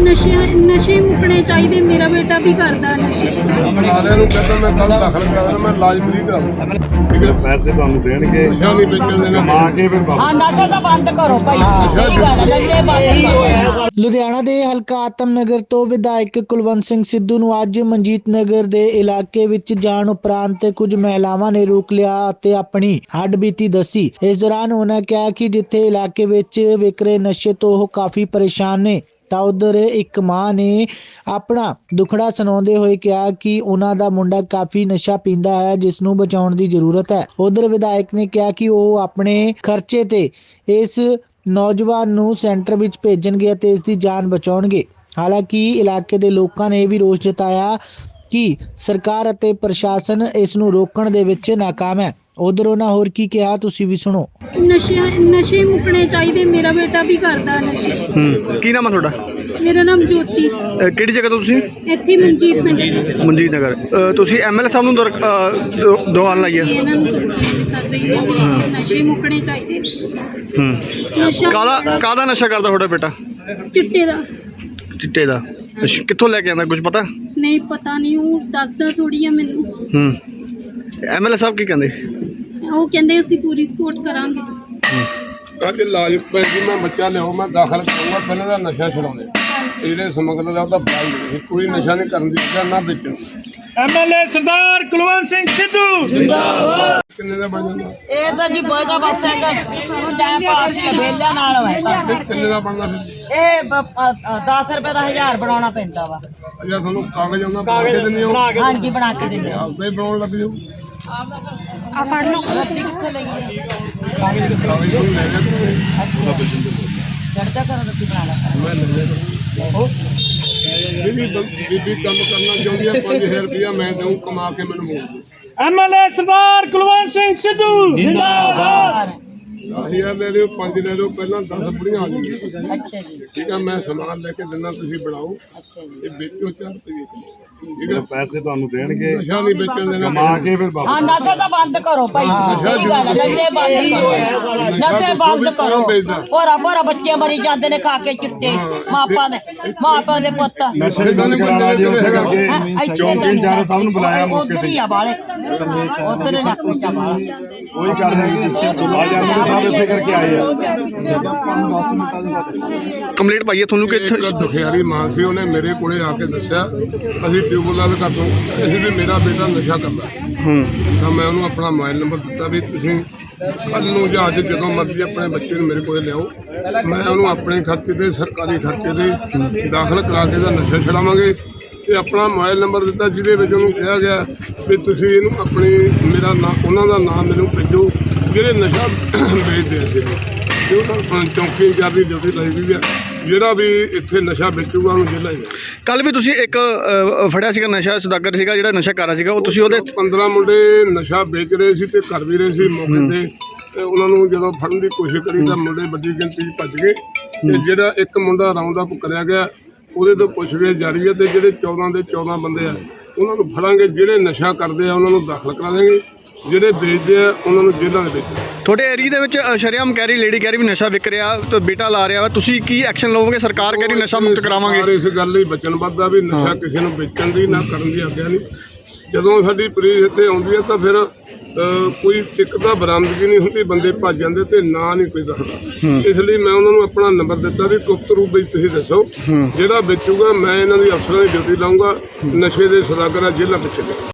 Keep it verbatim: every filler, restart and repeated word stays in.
नशे नशे मुकने चाहिए। मेरा बेटा भी करता नशे। सारे ਨੂੰ ਕਹਿੰਦਾ ਮੈਂ ਕੱਲ ਦਾਖਲ ਕਰਾ ਦੇਣਾ, ਮੈਂ ਇਲਾਜ ਫ੍ਰੀ ਕਰਾਉਂਗਾ। ਠੀਕ ਹੈ, ਪੈਸੇ ਤੁਹਾਨੂੰ ਦੇਣਗੇ ਨਸ਼ਾ ਨਹੀਂ ਵੇਚਣ ਦੇਣਾ। ਕਮਾ ਕੇ ਫਿਰ ਵਾਪਸ। ਹਾਂ ਨਸ਼ਾ ਤਾਂ ਬੰਦ ਕਰੋ ਭਾਈ, ਸਹੀ ਗੱਲ ਹੈ, ਨਸ਼ੇ ਬੰਦ ਕਰੋ। ਲੁਧਿਆਣਾ ਦੇ ਹਲਕਾ ਆਤਮ ਨਗਰ ਤੋਂ ਵਿਧਾਇਕ ਕੁਲਵੰਤ ਸਿੰਘ ਸਿੱਧੂ ਨੂੰ ਅੱਜ ਮਨਜੀਤ ਨਗਰ ਦੇ ਇਲਾਕੇ ਵਿੱਚ ਜਾਣ ਉਪਰੰਤ ਕੁਝ ਮਹਿਲਾਵਾਂ ਨੇ ਰੋਕ ਲਿਆ ਅਤੇ ਆਪਣੀ ਹੱਡਬੀਤੀ ਦੱਸੀ। ਇਸ ਦੌਰਾਨ ਉਹਨਾਂ ਕਿਹਾ ਕਿ ਜਿੱਥੇ ਇਲਾਕੇ ਵਿੱਚ ਵਿਕ ਰਹੇ ਨਸ਼ੇ ਤੋਂ ਉਹ ਕਾਫੀ ਪਰੇਸ਼ਾਨ ਨੇ, ਤਾਂ ਉਧਰ ਇੱਕ ਮਾਂ ਨੇ ਆਪਣਾ ਦੁਖੜਾ ਸੁਣਾਉਂਦੇ ਹੋਏ ਕਿਹਾ ਕਿ ਉਹਨਾਂ ਦਾ ਮੁੰਡਾ ਕਾਫੀ ਨਸ਼ਾ ਪੀਂਦਾ ਹੈ, ਜਿਸ ਨੂੰ ਬਚਾਉਣ ਦੀ ਜ਼ਰੂਰਤ ਹੈ। ਉਧਰ ਵਿਧਾਇਕ ਨੇ ਕਿਹਾ ਕਿ ਉਹ ਆਪਣੇ ਖਰਚੇ ਤੇ ਇਸ ਨੌਜਵਾਨ ਨੂੰ ਸੈਂਟਰ ਵਿੱਚ ਭੇਜਣਗੇ ਅਤੇ ਇਸ ਦੀ ਜਾਨ ਬਚਾਉਣਗੇ। ਹਾਲਾਂਕਿ ਇਲਾਕੇ ਦੇ ਲੋਕਾਂ ਨੇ ਵੀ ਰੋਸ ਜਤਾਇਆ ਕਿ ਸਰਕਾਰ ਅਤੇ ਪ੍ਰਸ਼ਾਸਨ ਇਸ ਨੂੰ ਰੋਕਣ ਦੇ ਵਿੱਚ ਨਾਕਾਮ ਹੈ। ਉਧਰ ਉਹਨਾਂ ਹੋਰ ਕੀ ਕਿਹਾ, ਤੁਸੀਂ ਵੀ ਸੁਣੋ। नशे नशे मुकने चाहिए। मेरा बेटा भी करता नशे। ਹੂੰ ਕੀ ਨਾਮ ਹੈ ਤੁਹਾਡਾ? मेरा नाम ज्योति। ਅਹ ਕਿਹੜੀ ਜਗ੍ਹਾ ਤੋਂ ਤੁਸੀਂ? ਇੱਥੇ ਮਨਜੀਤ ਨਗਰ। ਮਨਜੀਤ ਨਗਰ। ਅਹ ਤੁਸੀਂ ਐਮਐਲਏ ਸਾਹਿਬ ਨੂੰ ਦਰ- ਅਹ ਦ- ਦਵਾਨ ਲਾਈ ਹੈ? ਇਹਨਾਂ ਨੂੰ ਕੰਪਲੇਂਟ ਕਰ ਰਹੀ ਹੈ ਵੀ ਨਸ਼ੇ ਮੁਕਣੇ ਚਾਹੀਦੇ। ਹੂੰ ਨਸ਼ਾ ਕਾਹਦਾ ਕਾਹਦਾ ਨਸ਼ਾ ਕਰਦਾ ਤੁਹਾਡਾ ਬੇਟਾ? ਚਿੱਟੇ ਦਾ ਚਿੱਟੇ ਦਾ। ਅੱਛਾ, ਕਿੱਥੋਂ ਲੈ ਕੇ ਆਉਂਦਾ ਕੁਝ ਪਤਾ? ਨਹੀਂ ਪਤਾ ਨਹੀਂ, ਉਹ ਦੱਸਦਾ ਥੋੜੀ ਆ ਮੈਨੂੰ। ਹੂੰ ਐਮਐਲਏ ਸਾਹਿਬ ਕੀ ਕਹਿੰਦੇ? ਉਹ ਕਹਿੰਦੇ ਅਸੀਂ ਪੂਰੀ ਸਪੋਰਟ ਕਰਾਂਗੇ। ਅੱਜ ਇਲਾਜ ਪੈਂਦੀ ਮੈਂ ਬੱਚਾ ਲਿਆਓ, ਮੈਂ ਦਾਖਲ ਕਰਾਂਗਾ। ਪਹਿਲਾਂ ਦਾ ਨਸ਼ਾ ਛਡਾਉਂਦੇ ਜਿਹੜੇ ਸਮਗਲਰ ਦਾ ਉਹਦਾ ਫਲ ਨਹੀਂ, ਕੋਈ ਨਸ਼ਾ ਨਹੀਂ ਕਰਨ ਦੀ ਜਾਂ ਨਾ ਵੇਚਣ। ਐਮਐਲਏ ਸਰਦਾਰ ਕੁਲਵੰਤ ਸਿੰਘ ਸਿੱਧੂ ਜਿੰਦਾਬਾਦ। ਕਿੰਨੇ ਦਾ ਬਣ ਜਾਂਦਾ? ਇਹ ਤਾਂ ਜੀ ਬੋਇਦਾ ਬਸ ਹੈਗਾ ਟਾਈਮ ਪਾਸ ਹੀ ਵੇਲਿਆਂ ਨਾਲ ਹੋਇਆ। ਇਹ ਕਿੰਨੇ ਦਾ ਬਣਦਾ ਫਿਰ? ਇਹ ਦਸ ਰੁਪਏ ਦਾ ਹਜ਼ਾਰ ਬਣਾਉਣਾ ਪੈਂਦਾ ਵਾ। ਜਾਂ ਤੁਹਾਨੂੰ ਕਾਗਜ਼ ਆਉਂਦਾ ਬਣਾ ਕੇ ਦਿੰਦੇ ਹੋ? ਹਾਂਜੀ ਬਣਾ ਕੇ ਦਿੰਦੇ ਆ। ਆਪਦਾ ਹੀ ਬਣਾਉਣ ਲੱਗ ਜਾਓ। ਆ ਫੜ ਲਓ। ਰੱਤੀ ਕਿੱਥੇ ਲਈ ਕਾਗਜ਼ ਨੂੰ ਲੈ ਜਾ ਤੂੰ। ਚੜਦਾ ਕਰੋ ਰੱਤੀ ਬਣਾ ਲਾ ਕਰ। ਮੈਂ ਲੈ ਜਾ। ਬੀਬੀ ਬੀਬੀ ਕੰਮ ਕਰਨਾ ਚਾਹੁੰਦੀ ਹੈ, ਪੰਜ ਹਜ਼ਾਰ ਰੁਪਇਆ ਮੈਂ ਦਊਂ, ਕਮਾ ਕੇ ਮੈਨੂੰ ਮੋੜ ਦਿਓ। ਐਮਐਲਏ ਸਰਦਾਰ ਕੁਲਵੰਤ ਸਿੰਘ ਸਿੱਧੂ ਜਿੰਦਾਬਾਦ। ਦਸ ਹਜ਼ਾਰ ਲੈ ਲਿਓ, ਪੰਜ ਲੈ ਲਿਓ, ਪਹਿਲਾਂ ਦਸ ਬੁੜੀਆਂ ਆ ਜਾਣਗੀਆਂ। ਅੱਛਾ ਜੀ, ਠੀਕ ਆ, ਮੈਂ ਸਮਾਨ ਲੈ ਕੇ ਦਿੰਦਾ, ਤੁਸੀਂ ਬਣਾਓ। ਅੱਛਾ ਜੀ। ਇਹ ਵੇਚੋ ਚਾਰ ਰੁਪਏ ਕਿਲੋ। ਠੀਕ ਫਿਰ ਹੈ, ਪੈਸੇ ਤੁਹਾਨੂੰ ਦੇਣਗੇ ਨਸ਼ਾ ਨਹੀਂ ਵੇਚਣ ਦੇਣਾ। ਕਮਾ ਕੇ ਫਿਰ ਹਾਂ ਵਾਪਸ। ਨਸ਼ਾ ਤਾਂ ਬੰਦ ਕਰੋ ਭਾਈ, ਸਹੀ ਗੱਲ ਹੈ, ਨਸ਼ੇ ਬੰਦ ਕਰੋ। ਨਸ਼ੇ ਬੰਦ ਕਰੋ। ਭੋਰਾ ਭੋਰਾ ਬੱਚੇ ਮਰੀ ਜਾਂਦੇ ਨੇ ਖਾ ਕੇ ਚਿੱਟੇ। ਮਾਪਿਆਂ ਦੇ ਮਾਪਿਆਂ ਦੇ ਪੁੱਤ ਨਸ਼ੇ ਬੰਦ ਕਰਾਉਣਾ ਜੀ, ਉੱਥੇ ਕਰਕੇ ਇੱਥੇ ਚੌਂਕੀ ਇੰਚਾਰਜ ਸਾਹਿਬ ਨੂੰ ਬੁਲਾਇਆ ਮੌਕੇ ਉੱਧਰ ਤੇ। ਹੀ ਆ ਬਾਲੇ, ਉੱਧਰ ਹੀ ਲੱਗ ਪਿਆ ਬਾਲੇ। ਉਹੀ ਕਰ ਰਹੇ ਕਿ ਅੱਜ ਐਮਐਲਏ ਸਾਹਿਬ ਇਸੇ ਕਰਕੇ ਆਏ ਆ। ਕੰਪਲੀਟ ਪਾਈਏ ਤੁਹਾਨੂੰ ਕਿ ਇੱਕ ਦੁਖਿਆਰੀ ਮਾਂ ਸੀ, ਉਹਨੇ ਮੇਰੇ ਕੋਲੇ ਆ ਕੇ ਦੱਸਿਆ ਅਸੀਂ ਟਿਊਬਵੈੱਲਾਂ ਕਰ ਦੋ, ਅਸੀਂ ਵੀ ਮੇਰਾ ਬੇਟਾ ਨਸ਼ਾ ਕਰਦਾ। ਹੂੰ ਤਾਂ ਮੈਂ ਉਹਨੂੰ ਆਪਣਾ ਮੋਬਾਈਲ ਨੰਬਰ ਦਿੱਤਾ ਵੀ ਤੁਸੀਂ ਕੱਲ੍ਹ ਨੂੰ ਜਾਂ ਅੱਜ ਜਦੋਂ ਮਰਜ਼ੀ ਆਪਣੇ ਬੱਚੇ ਨੂੰ ਮੇਰੇ ਕੋਲੇ ਲਿਆਓ, ਮੈਂ ਉਹਨੂੰ ਆਪਣੇ ਖਰਚੇ ਤੇ ਸਰਕਾਰੀ ਖਰਚੇ ਤੇ ਦਾਖਲ ਕਰਾ ਕੇ ਦਾ ਨਸ਼ਾ ਛਡਾਵਾਂਗੇ। ਤੇ ਆਪਣਾ ਮੋਬਾਈਲ ਨੰਬਰ ਦਿੱਤਾ ਜਿਹਦੇ ਵਿੱਚ ਉਹਨੂੰ ਕਿਹਾ ਗਿਆ ਵੀ ਤੁਸੀਂ ਇਹਨੂੰ ਆਪਣੀ ਮੇਰਾ ਨਾਂ ਉਹਨਾਂ ਦਾ ਨਾਮ ਮੈਨੂੰ ਭੇਜੋ ਜਿਹੜੇ ਨਸ਼ਾ ਵੇਚਦੇ ਸੀ। ਤੇ ਉਹਨਾਂ ਚੌਂਕੀ ਇੰਚਾਰਜ ਦੀ ਡਿਊਟੀ ਲਾਈ ਗਈ ਹੈ, ਜਿਹੜਾ ਵੀ ਇੱਥੇ ਨਸ਼ਾ ਵੇਚੂਗਾ ਉਹਨੂੰ ਜੇਲ੍ਹਾਂ ਹੀ। ਕੱਲ ਵੀ ਤੁਸੀਂ ਇੱਕ ਅਹ, ਫੜਿਆ ਸੀਗਾ ਨਸ਼ਾ ਸੁਦਾਗਰ ਸੀਗਾ ਜਿਹੜਾ ਨਸ਼ਾ ਕਰ ਰਿਹਾ ਸੀਗਾ, ਉਹ ਤੁਸੀਂ ਉਹਦੇ ਪੰਦਰਾਂ ਮੁੰਡੇ ਨਸ਼ਾ ਵੇਚ ਰਹੇ ਸੀ ਤੇ ਕਰ ਵੀ ਰਹੇ ਸੀ। ਮੌਕੇ ਤੇ ਤੇ ਉਹਨਾਂ ਨੂੰ ਜਦੋਂ ਫੜਨ ਦੀ ਕੋਸ਼ਿਸ਼ ਕਰੀ ਤਾਂ ਮੁੰਡੇ ਵੱਡੀ ਗਿਣਤੀ 'ਚ ਭੱਜ ਗਏ। ਤੇ ਜਿਹੜਾ ਇੱਕ ਮੁੰਡਾ ਰਾਉਂਡ ਅਪ ਕਰਿਆ ਗਿਆ, ਉਹਦੇ ਤੋਂ ਪੁੱਛਗਿੱਛ ਜਾਰੀ ਹੈ। ਤੇ ਜਿਹੜੇ ਚੌਦਾਂ ਦੇ ਚੌਦਾਂ ਬੰਦੇ ਆ ਉਹਨਾਂ ਨੂੰ ਫੜਾਂਗੇ। ਜਿਹੜੇ ਨਸ਼ਾ ਕਰਦੇ ਆ ਉਹਨਾਂ ਨੂੰ ਦਾਖਲ ਕਰਾ ਦੇਵਾਂਗੇ, ਜਿਹੜੇ ਵੇਚਦੇ ਆ ਉਹਨਾਂ ਨੂੰ ਜੇਲ੍ਹਾਂ ਦੇ ਵਿੱਚ। ਤੁਹਾਡੇ ਏਰੀਆ ਦੇ ਵਿੱਚ ਅਹ, ਸ਼ਰੇਆਮ ਕਹਿ ਰਹੀ ਲੇਡੀ ਕਹਿ ਰਹੀ ਵੀ ਨਸ਼ਾ ਵਿਕ ਰਿਹਾ ਤੇ ਬੇਟਾ ਲਾ ਰਿਹਾ ਵਾ, ਤੁਸੀਂ ਕੀ ਐਕਸ਼ਨ ਲਓਗੇ? ਸਰਕਾਰ ਕਹਿ ਰਹੀ ਨਸ਼ਾ ਮੁਕਤ ਕਰਾਵਾਂਗੇ। ਸਰਕਾਰ ਇਸ ਗੱਲ ਲਈ ਵਚਨਬੱਧ ਆ ਵੀ ਨਸ਼ਾ ਕਿਸੇ ਨੂੰ ਵੇਚਣ ਦੀ ਨਾ ਕਰਨ ਦੀ ਆਗਿਆ ਨਹੀਂ। ਜਦੋਂ ਸਾਡੀ ਪੁਲਿਸ ਇੱਥੇ ਆਉਂਦੀ ਹੈ ਤਾਂ ਫਿਰ ਅਹ, ਕੋਈ ਟਿਕ ਦਾ ਬਰਾਮਦਗੀ ਨਹੀਂ ਹੁੰਦੀ, ਬੰਦੇ ਭੱਜ ਜਾਂਦੇ ਤੇ ਨਾ ਨਹੀਂ ਕੋਈ ਦੱਸਦਾ। ਇਸ ਲਈ ਮੈਂ ਉਹਨਾਂ ਨੂੰ ਆਪਣਾ ਨੰਬਰ ਦਿੱਤਾ ਵੀ ਗੁਪਤ ਰੂਪ ਵਿੱਚ ਤੁਸੀਂ ਦੱਸੋ, ਜਿਹੜਾ ਵੇਚੂਗਾ ਮੈਂ ਇਹਨਾਂ ਦੀ ਅਫਸਰਾਂ ਦੀ ਡਿਊਟੀ ਲਾਉਂਗਾ। ਨਸ਼ੇ ਦੇ ਸੌਦਾਗਰ ਜੇਲ੍ਹਾਂ ਪਿੱਛੇ